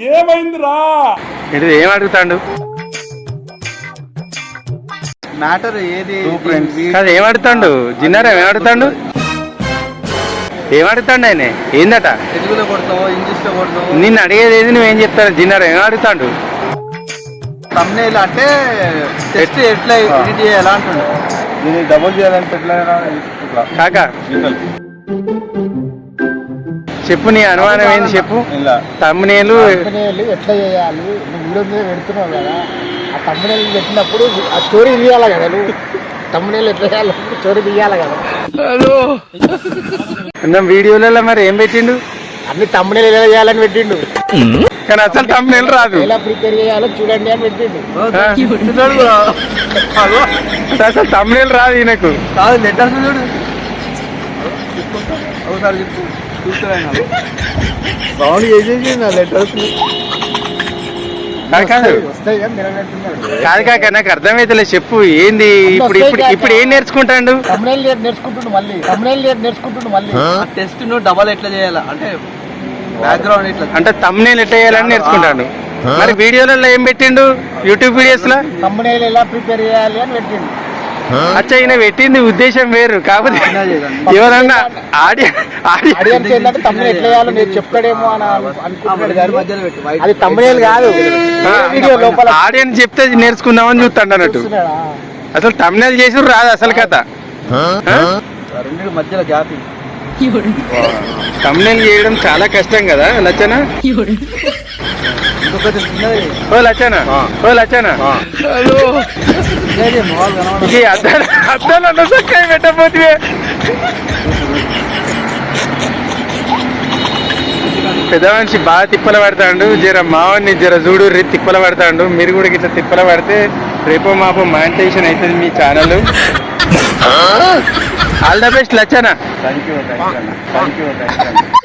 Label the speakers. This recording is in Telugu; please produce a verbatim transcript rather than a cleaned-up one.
Speaker 1: ఏమైందిరా
Speaker 2: ఇది ఏం అడుగుతాడు
Speaker 3: మ్యాటర్ ఏది
Speaker 2: కాదు ఏం అడుగుతాడు జిన్నారా ఏం అడుగుతాడు ఏం అడుగుతాడు ఆయన ఏందట
Speaker 3: తెలుగులో కొడతావో ఇంగ్లీష్ లో కొడతావో
Speaker 2: నిన్ను అడిగేది ఏది నువ్వేం చెప్తాను జిన్నారా ఏం అడుగుతాడు
Speaker 3: తమ్నేల్ అంటే టెస్ట్ ఎట్లా ఎడిట్ చేయాలా అంటుండే
Speaker 1: దీన్ని డబుల్ చేయాలంటే ఎట్లా
Speaker 2: కాక చెప్పు నీ అనుమానం ఏంది చెప్పు
Speaker 1: ఇలా
Speaker 2: తమ్మునేలు
Speaker 4: తమ్మునేలు ఎట్లా చేయాలి నువ్వు వీడియో మీద పెడుతున్నావు కదా ఆ తమ్మునేలు పెట్టినప్పుడు ఆ స్టోరీ తీయాలి కదా నువ్వు తమ్మునేలు ఎట్లా చేయాలి స్టోరీ తీయాలి కదా
Speaker 2: ఉన్న వీడియోలలో మరి ఏం పెట్టిండు
Speaker 4: అన్ని తమ్మునేలు ఎలా చేయాలని పెట్టిండు
Speaker 2: కానీ అసలు తమ్మునేలు రాదు
Speaker 4: ఎలా ప్రిపేర్ చేయాలో చూడండి అని పెట్టిండు
Speaker 2: అసలు తమ్మునేలు రాదు ఈయనకు
Speaker 3: కాదు లెటర్స్ చూడు ఒకసారి చెప్పు చూస్తున్నాను బాగుంది చేసేసి నా లెటర్స్
Speaker 2: కాదు కాదు
Speaker 4: వస్తాయి కానీ నిలబెట్టున్నాడు
Speaker 2: కాదు కాక నాకు అర్థమైతలే చెప్పు ఏంది ఇప్పుడు ఇప్పుడు ఇప్పుడు ఏం నేర్చుకుంటాడు
Speaker 4: తమ్మునేలు నేర్చుకుంటుండు మళ్ళీ తమ్మునేలు నేర్చుకుంటుండు మళ్ళీ
Speaker 3: టెస్ట్ ను డబల్ ఎట్లా చేయాలా అంటే బ్యాక్గ్రౌండ్ ఇట్లా
Speaker 2: అంటే తమ్మునేలు ఎట్లా చేయాలని నేర్చుకుంటాడు మరి వీడియోలలో ఏం పెట్టిండు యూట్యూబ్ వీడియోస్ లో
Speaker 4: తమ్మునేలు ఎలా ప్రిపేర్ చేయాలి అని పెట్టిండు
Speaker 2: అచ్చా ఈయన పెట్టింది ఉద్దేశం వేరు కాకపోతే ఎవరన్నా
Speaker 4: ఆడియన్స్ ఏంటంటే తమ్ముడు ఎట్లా చేయాలో నేను చెప్తాడేమో అని అనుకుంటున్నాడు కానీ
Speaker 3: మధ్యలో పెట్టు వైట్
Speaker 4: అది తమ్మునేలు కాదు వీడియో లోపల
Speaker 2: ఆడియన్స్ చెప్తే నేర్చుకుందామని చూస్తాడు అన్నట్టు
Speaker 4: చూస్తున్నాడా?
Speaker 2: అసలు తమ్మునేలు చేసి రాదు అసలు కథ
Speaker 3: రెండు మధ్యలో గ్యాప్
Speaker 2: తమ్మునేలు చేయడం చాలా కష్టం కదా లచ్చన
Speaker 3: ఇంకొకటి చిన్నది
Speaker 2: ఓ లచ్చన ఓ లచ్చన
Speaker 3: చిన్నది మొహాలు కనబడదు
Speaker 2: ఇది అద్దాలు అద్దాలు అన్న చక్కగా పెట్టబోతే పెద్ద మనిషి బాగా తిప్పల పడతాడు జర మావాడిని జర చూడు రే తిప్పల పడతాడు మీరు కూడా ఇట్లా తిప్పల పడితే రేపో మాపో మానిటైజేషన్ అవుతుంది మీ channel all the best Lachchana
Speaker 1: thank you thank you thank you thank you